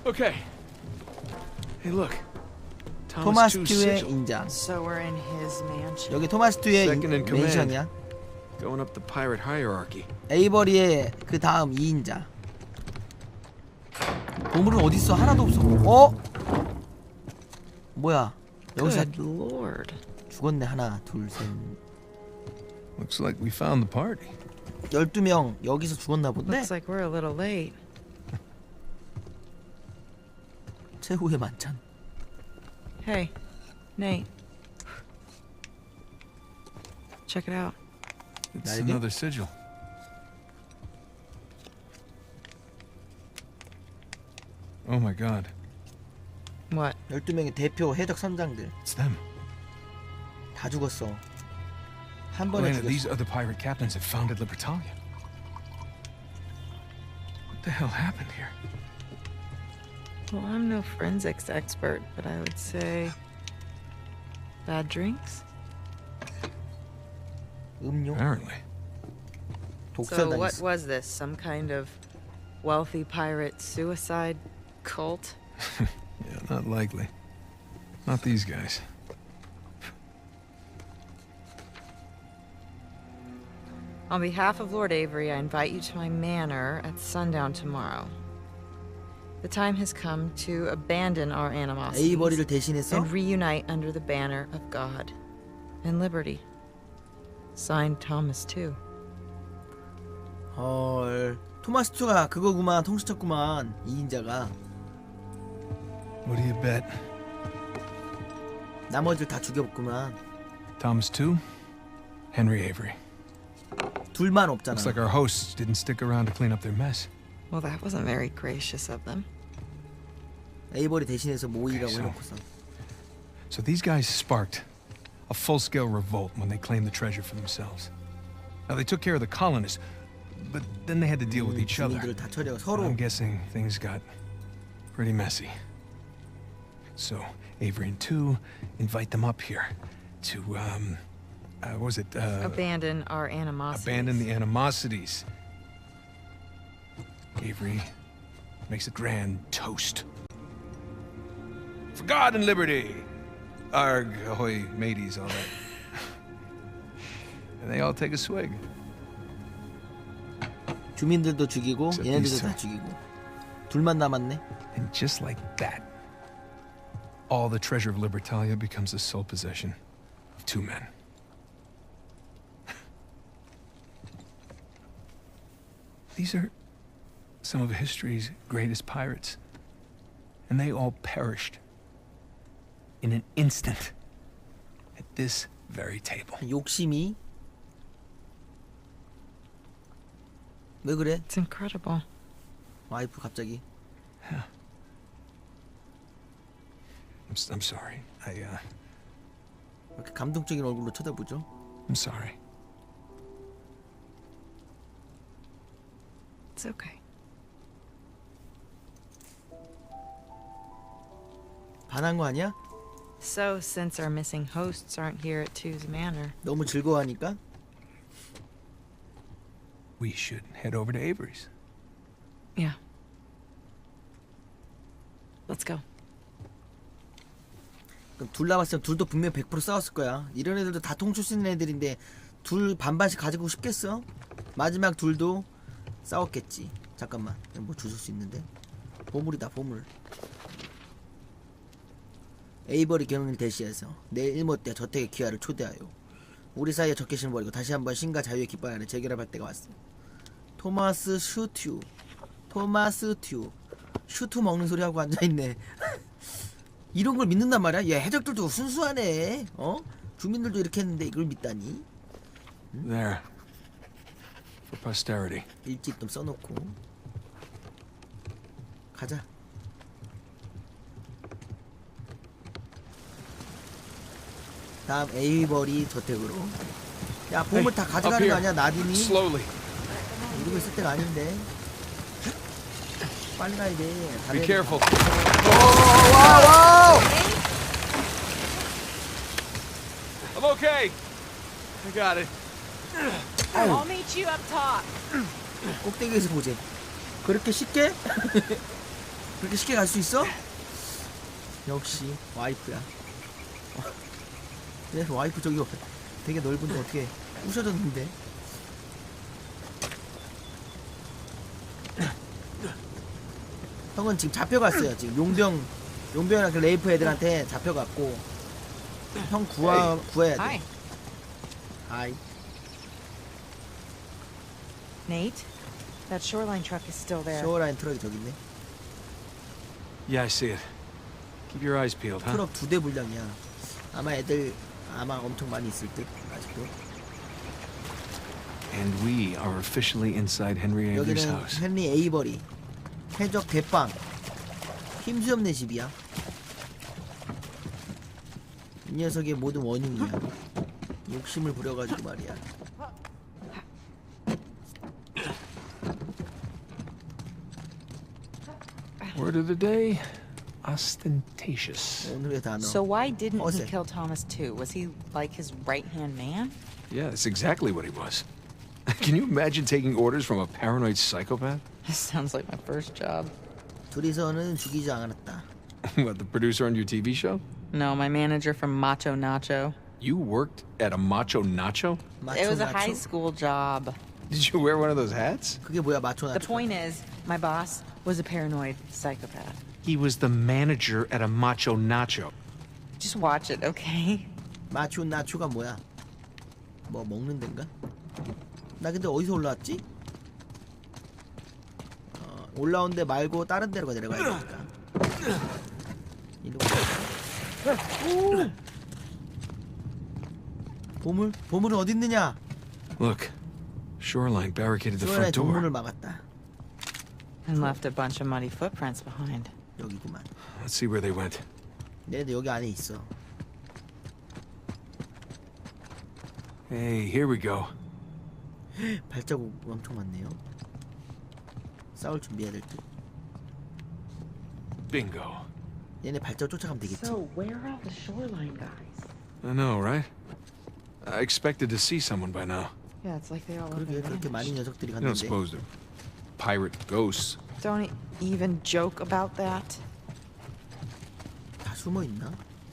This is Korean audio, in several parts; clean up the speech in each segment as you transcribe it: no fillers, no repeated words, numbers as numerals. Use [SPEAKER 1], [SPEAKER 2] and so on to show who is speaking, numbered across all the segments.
[SPEAKER 1] Okay. Hey, look.
[SPEAKER 2] 토마스
[SPEAKER 1] Two's
[SPEAKER 2] 튜의
[SPEAKER 1] sigil.
[SPEAKER 2] 인장.
[SPEAKER 3] So we're in his mansion.
[SPEAKER 2] 여기 토마스 튜의
[SPEAKER 1] Second in command.
[SPEAKER 2] 맨션이야.
[SPEAKER 1] Going up the pirate hierarchy.
[SPEAKER 2] 에이버리의 그 다음 2인자. 보물은 어디 있어? 하나도 없어. 어? 뭐야? 여기서
[SPEAKER 3] Good lord.
[SPEAKER 2] 죽었네. 하나, 둘, 셋.
[SPEAKER 4] Looks like we found the party.
[SPEAKER 2] 12명 여기서 죽었나 본데?
[SPEAKER 3] Looks like we're a little late.
[SPEAKER 2] 최후의 만찬.
[SPEAKER 3] Hey, Nate. Check it out.
[SPEAKER 4] It's
[SPEAKER 2] 날개?
[SPEAKER 4] another sigil. Oh my god.
[SPEAKER 3] What?
[SPEAKER 2] 12명의 대표 해적 선장들
[SPEAKER 4] It's them.
[SPEAKER 2] 다 죽었어. 한 번에
[SPEAKER 4] Elena, these
[SPEAKER 2] 죽였어.
[SPEAKER 4] other pirate captains have founded Libertalia. What the hell happened here?
[SPEAKER 3] Well, I'm no forensics expert, but I would say bad drinks.
[SPEAKER 2] 음료,
[SPEAKER 4] Apparently.
[SPEAKER 3] So what
[SPEAKER 2] 독살당했어.
[SPEAKER 3] was this? Some kind of wealthy pirate suicide cult?
[SPEAKER 4] Yeah, not likely. Not these guys.
[SPEAKER 3] On behalf of Lord Avery, I invite you to my manor at sundown tomorrow. The time has come to abandon our animosity
[SPEAKER 2] 에이버리를 대신해서
[SPEAKER 3] and reunite under the banner of God and liberty. Signed, Thomas too.
[SPEAKER 2] 헐. 토마스 튜가 그거구만. 통수쳤구만. 2인자가.
[SPEAKER 4] What do you bet?
[SPEAKER 2] 나머지를 다 죽여봤구만.
[SPEAKER 4] Thomas too? Henry Avery.
[SPEAKER 2] 둘만 없잖아.
[SPEAKER 4] Looks like our hosts didn't stick around to clean up their mess.
[SPEAKER 3] Well, that wasn't very gracious of them.
[SPEAKER 2] 에이버리 대신해서 모이라고
[SPEAKER 4] Okay, so-
[SPEAKER 2] 해놓고서.
[SPEAKER 4] So these guys sparked a full-scale revolt when they claimed the treasure for themselves. Now they took care of the colonists, but then they had to deal with each other.
[SPEAKER 2] 주민들을 다 처리하고
[SPEAKER 4] And
[SPEAKER 2] 서로.
[SPEAKER 4] I'm guessing things got pretty messy. So Avery and Two invite them up here to what was it?
[SPEAKER 3] Abandon our animosity.
[SPEAKER 4] Abandon the animosities. Avery makes a grand toast. For God and liberty! Arg, ahoy, mateys, all that. And they all take a swig.
[SPEAKER 2] 주민들도 죽이고
[SPEAKER 4] Except
[SPEAKER 2] 얘네들도
[SPEAKER 4] these two.
[SPEAKER 2] 다 죽이고. 둘만 남았네.
[SPEAKER 4] And just like that, all the treasure of Libertalia becomes the sole possession of two men. These are some of history's greatest pirates. And they all perished in an instant at this very table.
[SPEAKER 2] 욕심이. 왜 그래?
[SPEAKER 3] It's incredible.
[SPEAKER 2] 와이프 갑자기.
[SPEAKER 4] I'm sorry.
[SPEAKER 2] 왜 이렇게 감동적인 얼굴로 쳐다보죠?
[SPEAKER 4] I'm sorry.
[SPEAKER 3] It's okay.
[SPEAKER 2] 반한 거 아니야?
[SPEAKER 3] So, since our missing hosts aren't here at Two's Manor,
[SPEAKER 2] 너무 즐거워하니까?
[SPEAKER 4] We should head over to Avery's.
[SPEAKER 3] yeah. Let's go.
[SPEAKER 2] 그럼 둘 남았으면 둘도 분명 100% 싸웠을 거야. 이런 애들도 다 통출 수 있는 애들인데 둘 반반씩 가지고 싶겠어? 마지막 둘도 싸웠겠지. 잠깐만, 뭐 주실 수 있는데? 보물이다, 보물. 에이버리 경을 대시해서 내 일못 때 저택의 귀하를 초대하여 우리 사이에 적개심을 버리고 다시 한번 신과 자유의 깃발 안에 재결합할 때가 왔어. 토마스 슈튜. 토마스 튜. 슈트 먹는 소리 하고 앉아있네. 이런 걸 믿는단 말이야. 얘 해적들도 순수하네. 어? 주민들도 이렇게 했는데 이걸 믿다니.
[SPEAKER 4] There. For posterity.
[SPEAKER 2] 일찍 좀 써놓고 가자. 다음 에이버리 저택으로. 야, 보물 다 가져가는 거 아니야? 나딘이
[SPEAKER 1] Slowly.
[SPEAKER 2] 이러고 있을 때가 아닌데. 빨리 가야 돼.
[SPEAKER 1] Be careful.
[SPEAKER 2] 와우.
[SPEAKER 1] I'm okay. I got it.
[SPEAKER 5] I'll meet you up top.
[SPEAKER 2] 꼭대기에서 보재. 그렇게 쉽게? 그렇게 쉽게 갈 수 있어? 역시 와이프야. 내 와이프 저기 되게 넓은데 어떻게 부셔졌는데? 형은 지금 잡혀갔어요. 지금 용병이랑 그 레이프 애들한테 잡혀갔고 형 구해야 돼.
[SPEAKER 3] Hi.
[SPEAKER 2] 아이.
[SPEAKER 3] Nate, that shoreline truck is still there.
[SPEAKER 2] 쇼어라인 트럭이 저기 있네.
[SPEAKER 1] Yeah, I see it. Keep your eyes peeled, huh?
[SPEAKER 2] 트럭 2대 분량이야. 아마 애들 엄청 많이 있을 듯 아직도.
[SPEAKER 1] And we are officially inside Henry Avery's
[SPEAKER 2] 여기는
[SPEAKER 1] house.
[SPEAKER 2] 헨리 에이버리 해적 대빵 힘수염내 집이야. 이 녀석의 모든 원흉이야. 욕심을 부려가지고 말이야.
[SPEAKER 4] Word of the day, ostentatious.
[SPEAKER 2] 오늘의 단어.
[SPEAKER 5] So why didn't he
[SPEAKER 2] 어세.
[SPEAKER 5] kill Thomas too? Was he like his right-hand man?
[SPEAKER 1] Yeah, that's exactly what he was. Can you imagine taking orders from a paranoid psychopath?
[SPEAKER 5] This sounds like my first job.
[SPEAKER 2] 둘이서는 죽이지 않았다.
[SPEAKER 1] What, the producer on your TV show?
[SPEAKER 5] No, my manager from Macho Nacho.
[SPEAKER 1] You worked at a Macho Nacho?
[SPEAKER 5] It was a
[SPEAKER 2] 마초
[SPEAKER 5] high
[SPEAKER 2] 나초?
[SPEAKER 5] school job.
[SPEAKER 1] Did you wear one of those hats?
[SPEAKER 2] 그게 뭐야 마초
[SPEAKER 5] The
[SPEAKER 2] 나초?
[SPEAKER 5] point is, my boss was a paranoid psychopath.
[SPEAKER 1] He was the manager at a Macho Nacho.
[SPEAKER 5] Just watch it, okay?
[SPEAKER 2] 마초 나초가 뭐야? 뭐 먹는 데인가? 나 근데 어디서 올라왔지? 올라온 데 말고 다른 데로 내려가야 되니까. 이리로 가자. 보물은 어디 있느냐?
[SPEAKER 1] Look, shoreline barricaded the
[SPEAKER 2] 쇼라의
[SPEAKER 1] front door.
[SPEAKER 2] 정문을 막았다.
[SPEAKER 5] And left a bunch of muddy footprints behind.
[SPEAKER 2] 여기구만.
[SPEAKER 1] Let's see where they went.
[SPEAKER 2] 얘네들 여기 안에 있어.
[SPEAKER 1] Hey, here we go.
[SPEAKER 2] 발자국 엄청 많네요. 싸울 준비해야 될 듯.
[SPEAKER 1] Bingo.
[SPEAKER 2] 얘네 발자국 쫓아가면 되겠지.
[SPEAKER 5] So where are all the shoreline guys?
[SPEAKER 1] I know, right? I expected to see someone by now.
[SPEAKER 3] Yeah, it's like they all
[SPEAKER 2] 그러게 그렇게 많은 녀석들이
[SPEAKER 1] You don't
[SPEAKER 2] 갔는데.
[SPEAKER 1] suppose they're pirate ghosts?
[SPEAKER 3] Don't even joke about that.
[SPEAKER 2] 다 숨어 있나?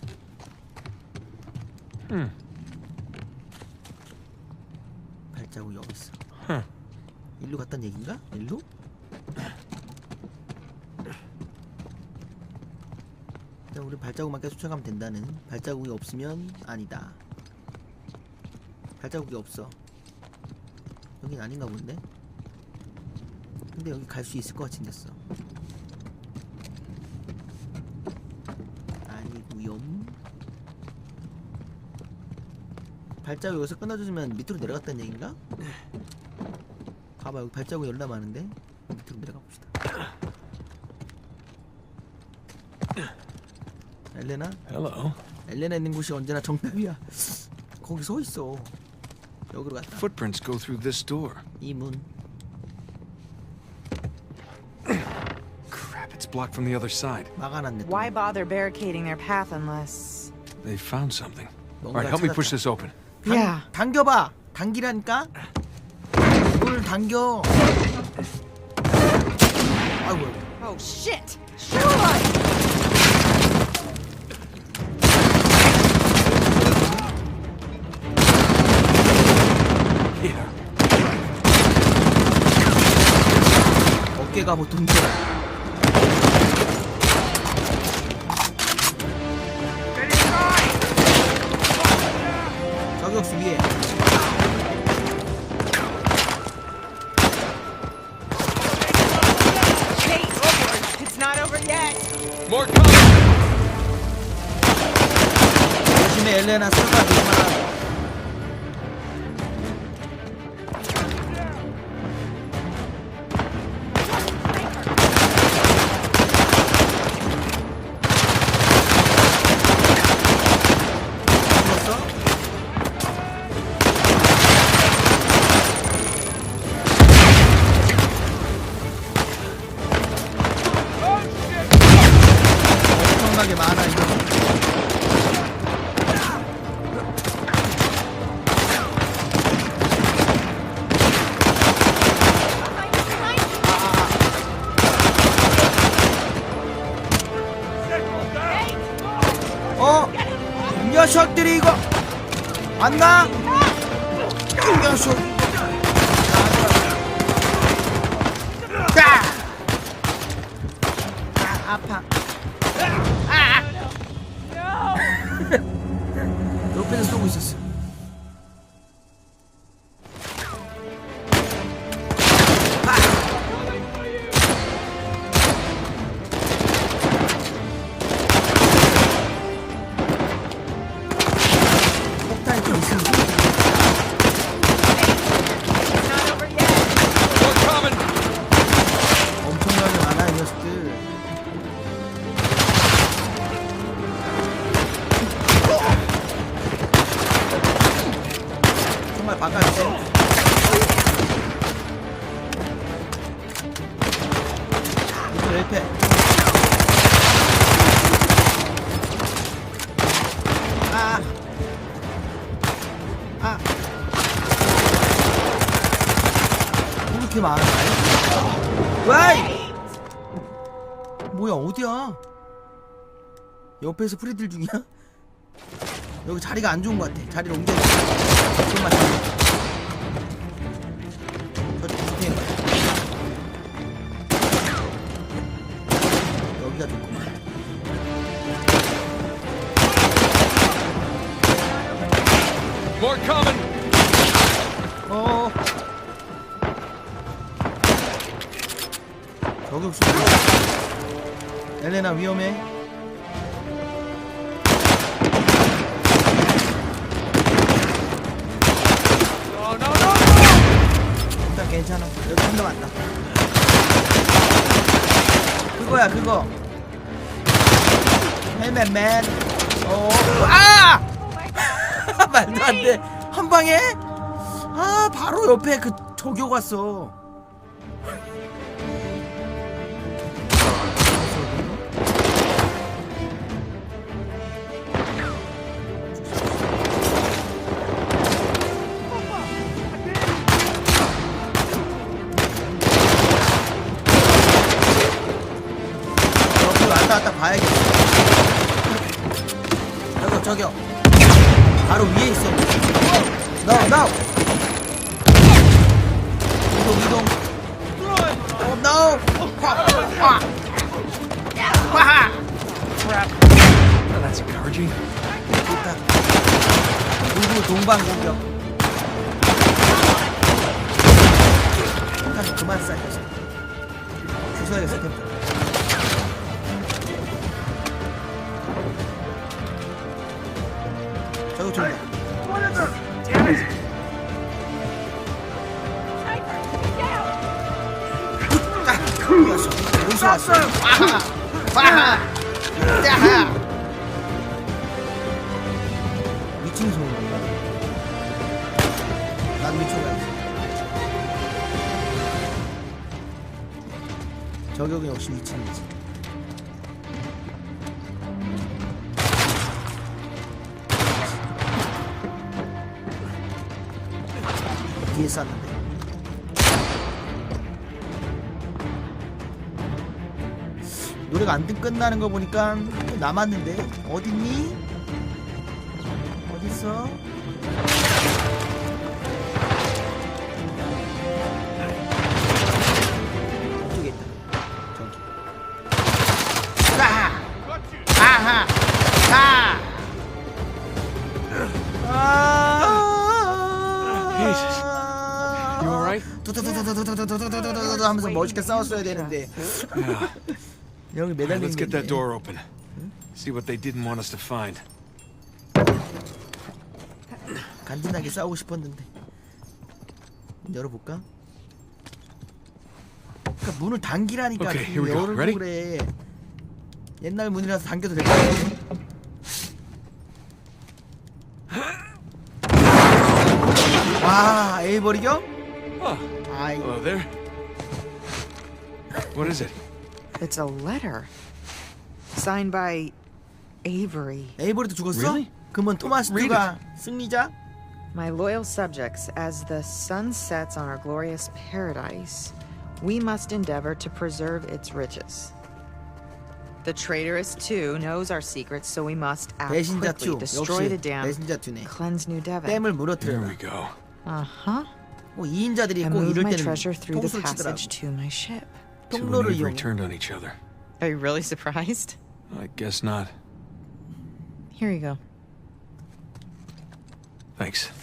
[SPEAKER 2] 발자국 여기 있어. 일로 갔단 얘긴가? 일로? 일단 우리 발자국만 계속 쫓아가면 된다는. 발자국이 없으면 아니다. 발자국이 없어. 여긴 아닌가 본데? 근데 여기 갈 수 있을 것 같이 생겼어. 아니구요. 발자국 여기서 끊어주면 밑으로 내려갔다는 얘긴가? 봐봐 여기 발자국 열나 많은데 밑으로 내려가 봅시다. 엘레나?
[SPEAKER 1] Hello.
[SPEAKER 2] 엘레나 있는 곳이 언제나 정답이야. 거기 서 있어. 여기로 갔다.
[SPEAKER 1] Footprints go through this door.
[SPEAKER 2] 이 문.
[SPEAKER 1] Crap, it's blocked from the other side.
[SPEAKER 2] 막아놨네. 또.
[SPEAKER 3] Why bother barricading their path unless...
[SPEAKER 1] They found something. All
[SPEAKER 2] 뭔가
[SPEAKER 1] right, help me push
[SPEAKER 2] 찾았다.
[SPEAKER 1] this open.
[SPEAKER 3] Yeah.
[SPEAKER 2] 당겨봐. 당기라니까. 이걸 당겨. 아이고.
[SPEAKER 3] Oh, shit! Shoreline!
[SPEAKER 1] Yeah.
[SPEAKER 2] 어깨가 보통데. 저격수 위에.
[SPEAKER 3] Kate, it's not over yet!
[SPEAKER 1] More coming!
[SPEAKER 2] 조심해 엘레나 쏠까 조심하라. 죽었어? 엄청나게 많아 이거. 녀석들이 이거 안나? 이 녀석 아파. 옆에서 쏘고 있었어. 폭탄이 좀 있으면 엄청나게 많아 이 녀석들. 정말 바꿔주세요. 이거 옆에. 왜 이렇게 많아? 와이! 뭐야 어디야? 옆에서 프리들 중이야? 여기 자리가 안 좋은 것 같아. 자리를 옮겨야 돼. 좀만 저쪽 부팅해 봐. 여기가 좋구만.
[SPEAKER 1] More coming!
[SPEAKER 2] 어. 저격수. 엘레나 위험해. 일단 괜찮아. 여기 한대 맞다. 그거야 그거. 헬멧맨. 오. 아! 말도 안 돼. 한 방에? 아 바로 옆에 그 저격 왔어. 여기 왔다 갔다 봐야겠어. 저기요. 바로 위에 있어. No. 이동. Oh no.
[SPEAKER 1] That's encouraging.
[SPEAKER 2] 좋다. 그리고 동방 공격. 한 그만 쏴야겠어. 주워야겠어 템포. 저거 좋네. 어디서 왔어? 빠하! 야하! 미친 소리야. 난 미쳐가야지. 저격은 역시 미친이지. 뒤에 쐈는데. 노래가 안 끝나는 거 보니까 또 남았는데 어딨니? 어딨어? 이쪽에 있다. 저기. 아하!
[SPEAKER 1] Jesus. You alright?
[SPEAKER 2] 두두두두두두두두두두두 하면서 멋있게 싸웠어야 되는데
[SPEAKER 1] Yeah.
[SPEAKER 2] 여기
[SPEAKER 1] All right,
[SPEAKER 2] 매달린
[SPEAKER 1] let's get that
[SPEAKER 2] 게
[SPEAKER 1] door open. See what they didn't want us to find.
[SPEAKER 2] 간지나게 싸우고 싶었는데 열어볼까? 그러니까 문을 당기라니까.
[SPEAKER 1] Okay, here we go.
[SPEAKER 2] 열고
[SPEAKER 1] Ready?
[SPEAKER 2] 그래. 옛날 문이라서 당겨도 될 것 같아. 와, 에이버리경?
[SPEAKER 1] Oh,
[SPEAKER 2] 아이,
[SPEAKER 1] hello there. What is it?
[SPEAKER 3] It's a letter. Signed by Avery.
[SPEAKER 2] 에이버리도 죽었어?
[SPEAKER 1] Really?
[SPEAKER 2] 그러면 토마스
[SPEAKER 1] Read
[SPEAKER 2] 가 승리자?
[SPEAKER 3] My loyal subjects, as the sun sets on our glorious paradise, we must endeavor to preserve its riches. The traitorous two knows our secrets, so we must act
[SPEAKER 2] 배신자
[SPEAKER 3] quickly.
[SPEAKER 2] 2
[SPEAKER 3] Destroy the
[SPEAKER 2] 역시
[SPEAKER 3] dam.
[SPEAKER 2] 배신자 2네.
[SPEAKER 3] Cleanse New Devon.
[SPEAKER 2] 댐을
[SPEAKER 1] There
[SPEAKER 2] 무너뜨려라.
[SPEAKER 1] we go.
[SPEAKER 3] Uh-huh.
[SPEAKER 2] 뭐 2인자들이
[SPEAKER 3] And
[SPEAKER 2] 꼭
[SPEAKER 3] move
[SPEAKER 2] 이럴
[SPEAKER 3] my
[SPEAKER 2] 때는
[SPEAKER 3] treasure through the
[SPEAKER 2] 통수를 치더라고.
[SPEAKER 3] passage to my ship.
[SPEAKER 1] Two and
[SPEAKER 2] 통로를
[SPEAKER 1] Avery
[SPEAKER 2] 이용.
[SPEAKER 1] turned on each other.
[SPEAKER 3] Are you really surprised?
[SPEAKER 1] I guess not.
[SPEAKER 3] Here you go.
[SPEAKER 1] Thanks.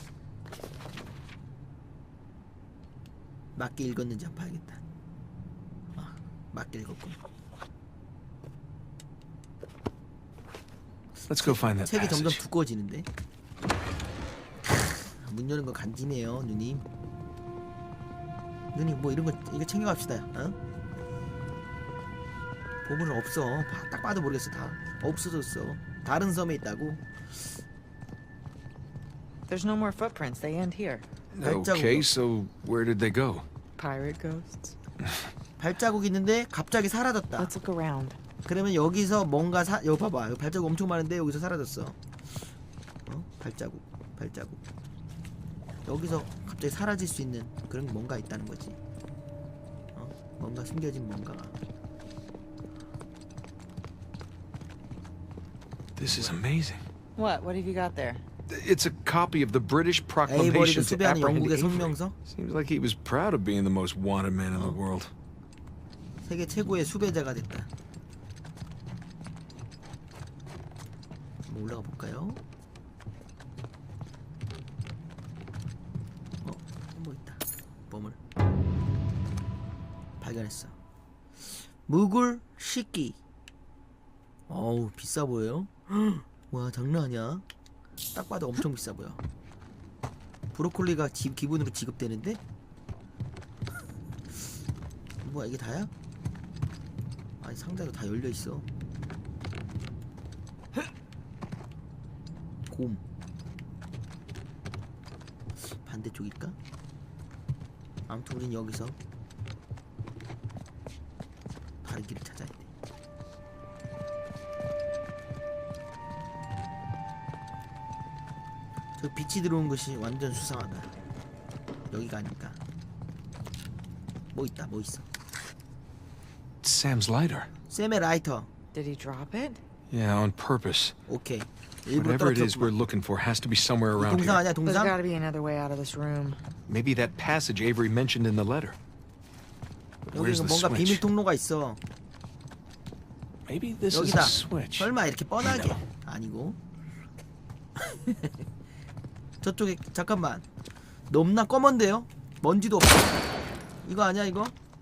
[SPEAKER 2] 맞게 읽었는지 한번 봐야겠다. 아, 맞게 읽었군.
[SPEAKER 1] Let's go find that
[SPEAKER 2] 책이 점점
[SPEAKER 1] passage.
[SPEAKER 2] 두꺼워지는데. 문 여는 거 간지네요, 누님. 누님 뭐 이런 거 이거 챙겨갑시다. 어? 보물은 없어. 딱 봐도 모르겠어. 다 없어졌어. 다른 섬에 있다고.
[SPEAKER 3] There's no more footprints. They end here.
[SPEAKER 1] Okay, so where did they go?
[SPEAKER 3] Pirate ghosts.
[SPEAKER 2] 발자국 있는데 갑자기 사라졌다.
[SPEAKER 3] Let's look around.
[SPEAKER 2] 그러면 여기서 뭔가 여기 봐봐. 여기 발자국 엄청 많은데 여기서 사라졌어. 어? 발자국. 여기서 갑자기 사라질 수 있는 그런 게 뭔가 있다는 거지. 어? 뭔가 숨겨진 뭔가가.
[SPEAKER 1] This is amazing.
[SPEAKER 3] What? What have you got there?
[SPEAKER 1] It's a copy of the British
[SPEAKER 2] 에이버리가
[SPEAKER 1] proclamation to
[SPEAKER 2] 수배하는
[SPEAKER 1] apprehend
[SPEAKER 2] 영국의
[SPEAKER 1] Avery.
[SPEAKER 2] 성명서?
[SPEAKER 1] Seems like he was proud of being the most wanted man in the world.
[SPEAKER 2] 세계 최고의 수배자가 됐다. 한번 올라가 볼까요? 뭐 있다. 보물. 발견했어. 무굴 식기. 어우 비싸 보여요. 와 장난 아니야. 딱 봐도 엄청 비싸 보여. 브로콜리가 기본으로 지급되는데? 뭐야 이게 다야? 아니 상자도 다 열려 있어. 곰. 반대쪽일까? 아무튼 우린 여기서 다른 길을 찾아야 돼. 저 빛이 들어온 것이 완전 수상하다. 여기가 아닐까? 뭐 있다, 뭐 있어?
[SPEAKER 1] It's Sam's lighter.
[SPEAKER 2] 쌤의 라이터.
[SPEAKER 3] Did he drop it?
[SPEAKER 1] Yeah, on purpose.
[SPEAKER 2] 오케이. 일부러
[SPEAKER 1] Whatever it is we're
[SPEAKER 2] 떨어뜨렸구만.
[SPEAKER 1] looking for has to be somewhere around
[SPEAKER 2] 동상
[SPEAKER 1] here.
[SPEAKER 2] 아니야,
[SPEAKER 3] There's
[SPEAKER 2] 동상?
[SPEAKER 3] got to be another way out of this room.
[SPEAKER 1] Maybe that passage Avery mentioned in the letter. But
[SPEAKER 2] 여기
[SPEAKER 1] where's the
[SPEAKER 2] 뭔가 비밀
[SPEAKER 1] switch?
[SPEAKER 2] 통로가 있어.
[SPEAKER 1] Maybe this is
[SPEAKER 2] 여기다.
[SPEAKER 1] a switch.
[SPEAKER 2] 설마 이렇게 뻔하게?
[SPEAKER 1] No.
[SPEAKER 2] 아니고. 저쪽에 잠깐만. 넘나 검은데요? 먼지도 없어. 이거 아니야 이거?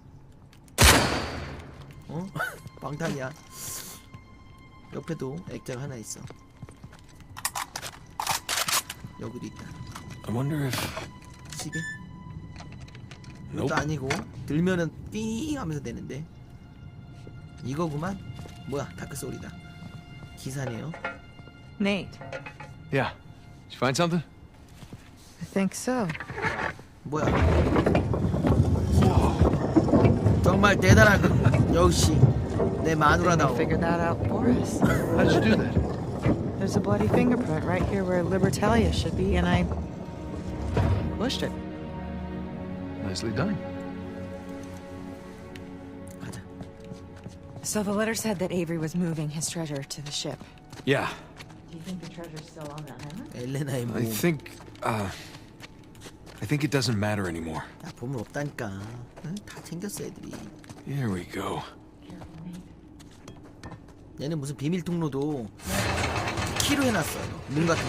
[SPEAKER 2] 어? 방탄이야. 옆에도 액자가 하나 있어. 여기도 있다.
[SPEAKER 1] I wonder if...
[SPEAKER 2] 시계?
[SPEAKER 1] Nope.
[SPEAKER 2] 이것도 아니고 들면은 띵 하면서 되는데 이거구만. 뭐야 다크 소리다. 기사네요.
[SPEAKER 3] Nate,
[SPEAKER 1] Yeah. Did you find something?
[SPEAKER 3] I think so.
[SPEAKER 2] 뭐야? 정말 대단하군. 역시 내
[SPEAKER 3] They
[SPEAKER 2] 마누라다워.
[SPEAKER 3] figured that out for us.
[SPEAKER 1] How did you do that?
[SPEAKER 3] There's a bloody fingerprint right here where Libertalia should be, and I pushed it.
[SPEAKER 1] Nicely done.
[SPEAKER 2] 가자.
[SPEAKER 3] So the letter said that Avery was moving his treasure to the ship.
[SPEAKER 1] Yeah.
[SPEAKER 3] Do you think the treasure's still on that island?
[SPEAKER 2] 엘레나의
[SPEAKER 1] I
[SPEAKER 2] 모험.
[SPEAKER 1] think it doesn't matter anymore.
[SPEAKER 2] 야 보물 없다니까. 응? 다 챙겼어 애들이.
[SPEAKER 1] Here we go.
[SPEAKER 3] Careful, Nate.
[SPEAKER 2] 얘는 무슨 비밀 통로도 키로 해놨어. 문 같은 거.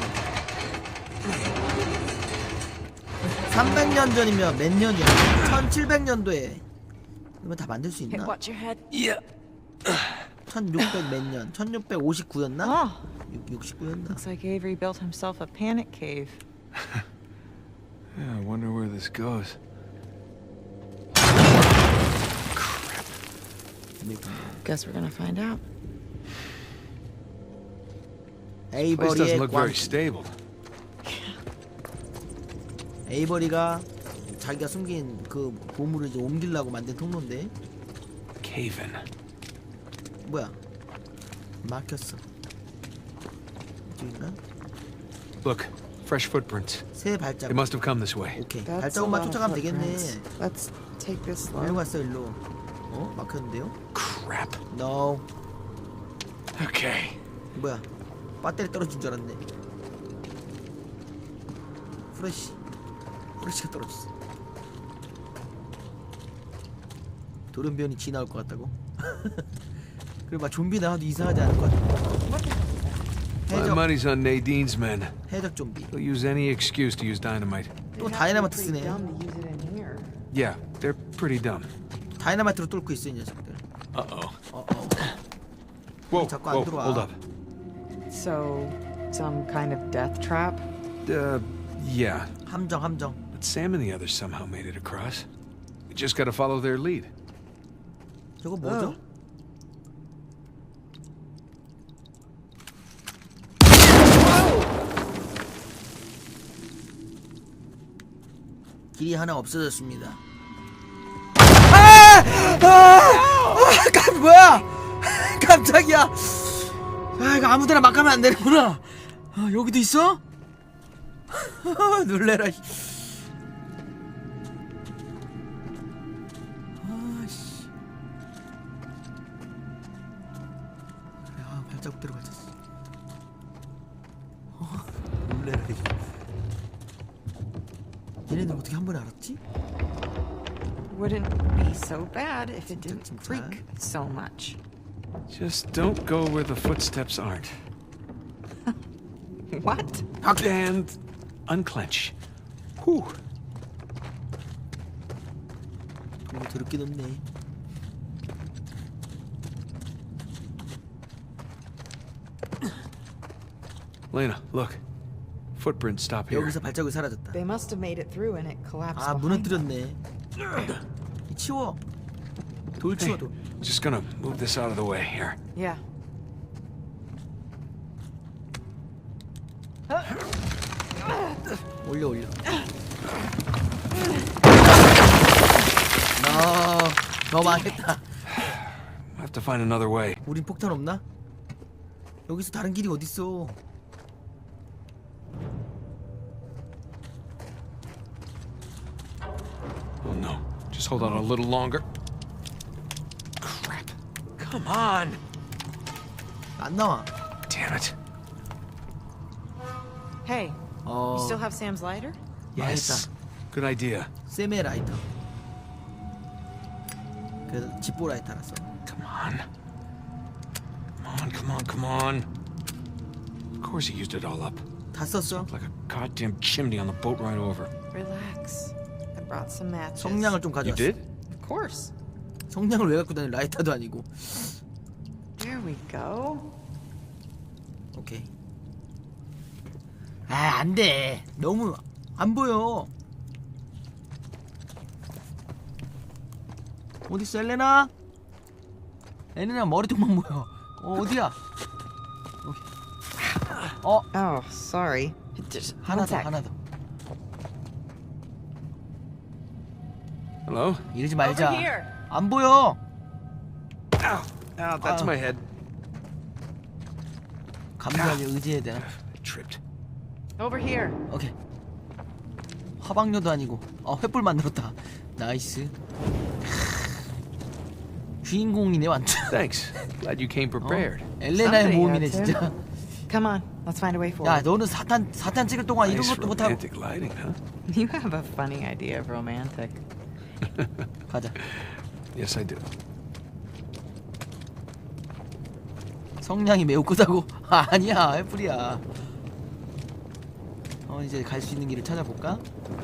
[SPEAKER 2] 300년 전이면 몇 년이야? 1700년도에. 그러면 다 만들 수
[SPEAKER 3] Hey,
[SPEAKER 2] 있나?
[SPEAKER 3] watch your head.
[SPEAKER 1] Yeah.
[SPEAKER 2] 1600 몇 년? 1659였나?
[SPEAKER 3] Oh,
[SPEAKER 2] 69였나?
[SPEAKER 3] looks like Avery built himself a panic cave.
[SPEAKER 1] Yeah, I wonder where this goes.
[SPEAKER 2] 비밀 통로.
[SPEAKER 3] Guess we're gonna find out.
[SPEAKER 1] Place
[SPEAKER 2] 에이버리의
[SPEAKER 1] doesn't look
[SPEAKER 2] 광.
[SPEAKER 1] very stable.
[SPEAKER 2] 에이버리가 자기가 숨긴 그 보물을 이제 옮기려고 만든 통로인데
[SPEAKER 1] Cave in.
[SPEAKER 2] 뭐야? 막혔어. 이쪽인가?
[SPEAKER 1] Look, fresh footprints.
[SPEAKER 2] 새 발자국.
[SPEAKER 1] They must have come this way.
[SPEAKER 2] 오케이.
[SPEAKER 3] That's a
[SPEAKER 2] 발자국만
[SPEAKER 3] lot of
[SPEAKER 2] 쫓아가면
[SPEAKER 3] footprints.
[SPEAKER 2] 되겠네.
[SPEAKER 3] Let's take this
[SPEAKER 2] 일로
[SPEAKER 3] slow.
[SPEAKER 2] 갔어 일로. 어? 막혔는데요?
[SPEAKER 1] Crap.
[SPEAKER 2] No.
[SPEAKER 1] Okay.
[SPEAKER 2] 뭐야? 배터리 떨어진 줄 알았네. 프레시가 떨어졌어. 돌연변이 지 나올 것 같다고? 그리고 막 좀비 나와도 이상하지 않을 것 같아.
[SPEAKER 1] My money's on Nadine's men.
[SPEAKER 2] 해적 좀비.
[SPEAKER 1] They'll use any excuse to use dynamite.
[SPEAKER 2] 또 다이나마이트 쓰네.
[SPEAKER 1] Yeah, they're pretty dumb.
[SPEAKER 2] 다이나마이트로 뚫고 있어 이 녀석들.
[SPEAKER 1] Uh-oh.
[SPEAKER 2] Whoa,
[SPEAKER 1] Whoa,
[SPEAKER 2] whoa,
[SPEAKER 1] hold up.
[SPEAKER 5] So, some kind of death trap?
[SPEAKER 1] Yeah.
[SPEAKER 2] 함정.
[SPEAKER 1] But Sam and the others somehow made it across. We just gotta follow their lead.
[SPEAKER 2] 저거 뭐죠? 길이 하나 없어졌습니다. 뭐야? 깜짝이야. 아, 이거 아무데나 막 가면 안 되는구나. 아, 여기도 있어? 놀래라. 아씨. 야, 발자국 들어가졌어. 놀래라. 얘네들 어떻게 한 번에 알았지?
[SPEAKER 5] Wouldn't be so bad if it didn't
[SPEAKER 2] 진짜.
[SPEAKER 5] creak so much.
[SPEAKER 1] Just don't go where the footsteps aren't.
[SPEAKER 5] What?
[SPEAKER 1] And unclench. Whew.
[SPEAKER 2] 너무 더럽게 높네.
[SPEAKER 1] Lena, look. Footprints stop here.
[SPEAKER 2] 여기서 발자국이 사라졌다.
[SPEAKER 5] They must have made it through and it collapsed
[SPEAKER 2] 아,
[SPEAKER 5] behind them.
[SPEAKER 2] 무너뜨렸네. 치워. 돌 치워, 돌.
[SPEAKER 1] Just gonna move this out of the way here.
[SPEAKER 5] Yeah.
[SPEAKER 2] 올려. 너 망했다.
[SPEAKER 1] I have to find another way.
[SPEAKER 2] 우린 폭탄 없나? 여기서 다른 길이 어딨어?
[SPEAKER 1] Oh no. Just hold on a little longer. Crap. Come on.
[SPEAKER 2] 안 나와.
[SPEAKER 1] Damn it.
[SPEAKER 5] Hey,
[SPEAKER 2] 어.
[SPEAKER 5] you still have Sam's lighter?
[SPEAKER 1] Yes. Good idea.
[SPEAKER 2] 쌤의 라이터. 그 집보 라이터라서.
[SPEAKER 1] Come on. Come on. Of course he used it all up.
[SPEAKER 2] 다 썼어.
[SPEAKER 1] Like a goddamn chimney on the boat ride over.
[SPEAKER 5] Relax. I brought some matches.
[SPEAKER 2] 성냥을 좀
[SPEAKER 1] You
[SPEAKER 2] 가져왔어.
[SPEAKER 1] did?
[SPEAKER 5] Of course.
[SPEAKER 2] 성냥을 왜 갖고 다니? 라이터도 아니고.
[SPEAKER 5] There we go.
[SPEAKER 2] 오케이. 아, 안 돼. 너무 안 보여. 어디 있어, 엘레나? 엘레나 머리통만 보여. 어디야? 여기.
[SPEAKER 5] Oh, sorry. Just
[SPEAKER 2] 하나
[SPEAKER 5] one
[SPEAKER 2] 더,
[SPEAKER 5] sec.
[SPEAKER 2] 하나 더.
[SPEAKER 1] Hello?
[SPEAKER 2] 이러지 말자.
[SPEAKER 5] Over here.
[SPEAKER 2] 안 보여.
[SPEAKER 1] Ow, that's
[SPEAKER 2] Ow.
[SPEAKER 1] my head.
[SPEAKER 2] 감정에 의지해야 되나?
[SPEAKER 1] I tripped.
[SPEAKER 5] Over here.
[SPEAKER 2] 오케이. 화방료도 아니고. 횃불 만들었다. 나이스. 주인공이네 완전.
[SPEAKER 1] Thanks. Glad you came prepared.
[SPEAKER 2] 엘레나의
[SPEAKER 5] Somebody
[SPEAKER 2] 모험이네
[SPEAKER 5] had to.
[SPEAKER 2] 진짜.
[SPEAKER 5] Come on, let's find a way
[SPEAKER 2] 야,
[SPEAKER 5] forward.
[SPEAKER 2] 너는 사탄 찍을 동안 이런
[SPEAKER 1] Nice
[SPEAKER 2] 것도 못하고.
[SPEAKER 1] romantic lighting, huh?
[SPEAKER 5] You have a funny idea of romantic.
[SPEAKER 2] 가자.
[SPEAKER 1] Yes, I do.
[SPEAKER 2] 성량이 매우 크다고? 아니야, 횃불이야. 이제 갈 수 있는 길을 찾아볼까?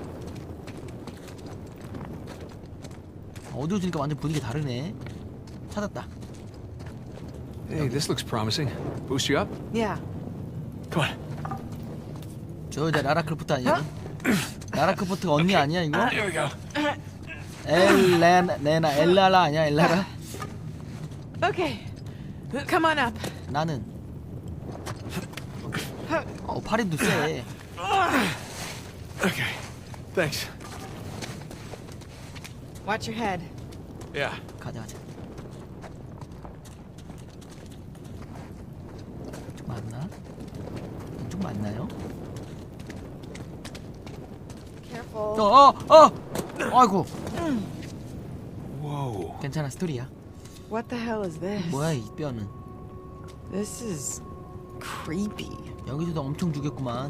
[SPEAKER 2] 어두워지니까 완전 분위기 다르네. 찾았다.
[SPEAKER 1] Hey, this looks promising. Boost you up?
[SPEAKER 5] Yeah.
[SPEAKER 1] Come on.
[SPEAKER 2] 저 여자 라라 크로프트 아니야? 라라 크로프트가 언니 아니야 이거?
[SPEAKER 1] Here we go.
[SPEAKER 2] 엘라라 아니야 엘라라?
[SPEAKER 5] Okay. Come on up.
[SPEAKER 2] 나는 팔힘도 세.
[SPEAKER 1] Okay. Thanks.
[SPEAKER 5] Watch your head.
[SPEAKER 1] Yeah.
[SPEAKER 2] 가자. 이쪽 맞나? 이쪽 맞나요?
[SPEAKER 5] Careful.
[SPEAKER 2] 아이고.
[SPEAKER 1] Whoa.
[SPEAKER 2] 괜찮아 스토리야.
[SPEAKER 5] What the hell is this?
[SPEAKER 2] 뭐야 이 뼈는?
[SPEAKER 3] This is creepy.
[SPEAKER 2] 여기서도 엄청 죽였구만.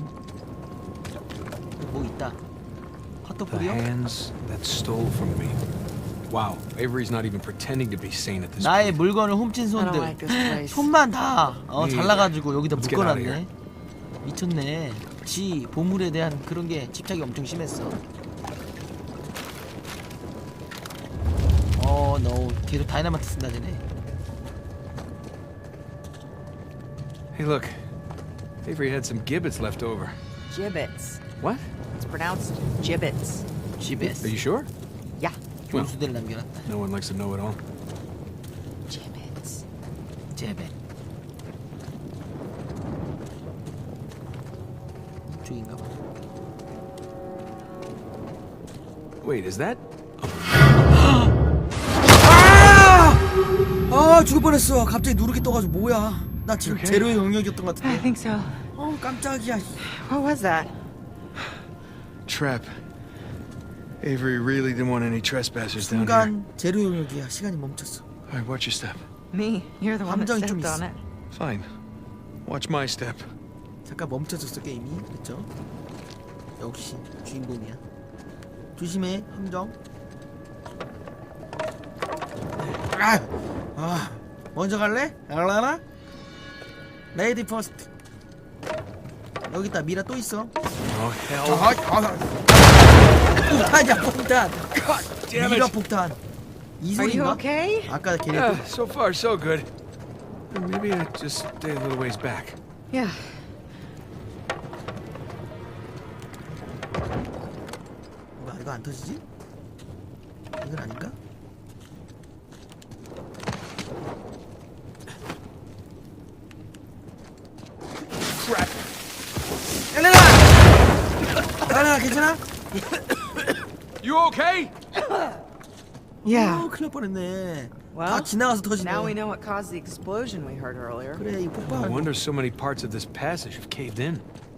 [SPEAKER 2] 뭐 있다.
[SPEAKER 1] The
[SPEAKER 2] 핫도그요?
[SPEAKER 1] hands that stole from me. Wow, Avery's not even pretending to be sane at this
[SPEAKER 2] 나의
[SPEAKER 1] point.
[SPEAKER 2] 물건을 훔친
[SPEAKER 3] I don't
[SPEAKER 2] 손들.
[SPEAKER 3] like this place.
[SPEAKER 2] 손만 다 잘라가지고 여기다
[SPEAKER 1] Let's get out of
[SPEAKER 2] 묶어놨네. 미쳤네. 지 보물에 대한 그런 게 집착이 엄청 심했어. 너 계속 다이나마이트 쓴다 쟤네.
[SPEAKER 1] Hey, look. Avery had some gibbets left over.
[SPEAKER 5] Gibbets.
[SPEAKER 1] What?
[SPEAKER 5] It's pronounced gibbets.
[SPEAKER 2] GBS.
[SPEAKER 1] Are you sure?
[SPEAKER 5] Yeah.
[SPEAKER 2] 교수들 남겨놨다.
[SPEAKER 1] No one likes to know it all.
[SPEAKER 5] Gibbets.
[SPEAKER 2] 제베. 이쪽인가 봐.
[SPEAKER 1] Wait, is that?
[SPEAKER 2] 죽을 뻔했어. 갑자기 누르기 떠가지고 뭐야? 나 지금
[SPEAKER 1] Okay.
[SPEAKER 2] 제로의 영역이었던 것
[SPEAKER 5] I
[SPEAKER 2] 같은데.
[SPEAKER 5] think so.
[SPEAKER 2] 깜짝이야.
[SPEAKER 3] What was that?
[SPEAKER 1] Trap. Avery really didn't want any trespassers down here.
[SPEAKER 2] 순간 제로 영역이야. 시간이 멈췄어.
[SPEAKER 1] All right, watch your step.
[SPEAKER 3] Me. You're the one that
[SPEAKER 2] 감정이 좀
[SPEAKER 3] stepped on
[SPEAKER 2] 있어.
[SPEAKER 3] it.
[SPEAKER 1] Fine. Watch my step.
[SPEAKER 2] 잠깐 멈춰졌어 게임이. 그렇죠? 역시 주인공이야. 조심해 함정. 먼저 갈래? 알라나? 레이디 퍼스트. 여기 있다. 미라 또 있어.
[SPEAKER 1] Oh, hell.
[SPEAKER 2] 폭탄이야 폭탄.
[SPEAKER 1] damn
[SPEAKER 2] 미라
[SPEAKER 1] it.
[SPEAKER 2] 폭탄. 이
[SPEAKER 3] Are you
[SPEAKER 2] 소리인가?
[SPEAKER 3] okay?
[SPEAKER 2] 아까 걔네
[SPEAKER 1] So far, so good. Maybe I just stay a little ways back.
[SPEAKER 3] Yeah.
[SPEAKER 2] 뭐야 이거 안 터지지? 이건 아닌가?
[SPEAKER 1] Crap.
[SPEAKER 2] 엘레나! 엘레나 괜찮아?
[SPEAKER 1] You okay?
[SPEAKER 3] Yeah.
[SPEAKER 2] 큰일 날 뻔했네. 다
[SPEAKER 3] Well,
[SPEAKER 2] 지나가서 터지네.
[SPEAKER 3] now we know what caused the explosion we heard earlier.
[SPEAKER 2] 그래 이
[SPEAKER 1] No
[SPEAKER 2] 폭발.
[SPEAKER 1] wonder so many parts of this passage have caved in.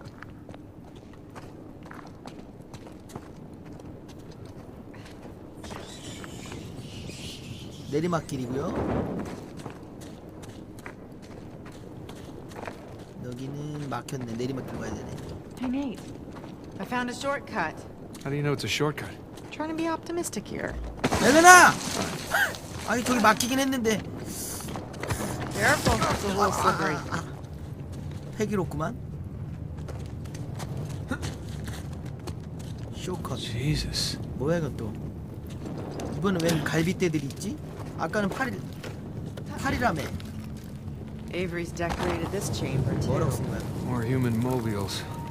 [SPEAKER 2] 내리막길이고요. 여기는 막혔네. 내리막길 가야 되네.
[SPEAKER 3] Hey, Nate. I found a shortcut.
[SPEAKER 1] How do you know it's a shortcut?
[SPEAKER 3] Trying to be optimistic here.
[SPEAKER 2] 엘레나! 아니 저기 막히긴 했는데
[SPEAKER 3] Careful, it's a little slippery.
[SPEAKER 2] 패기롭구만. 쇼컷.
[SPEAKER 1] Jesus.
[SPEAKER 2] 뭐야 이것도. 이번엔 웬 갈비떼들이 있지? 아까는 팔이라며.
[SPEAKER 3] Avery's decorated this chamber too.
[SPEAKER 2] 뭐라고 쓴 거야?
[SPEAKER 1] More human mobiles.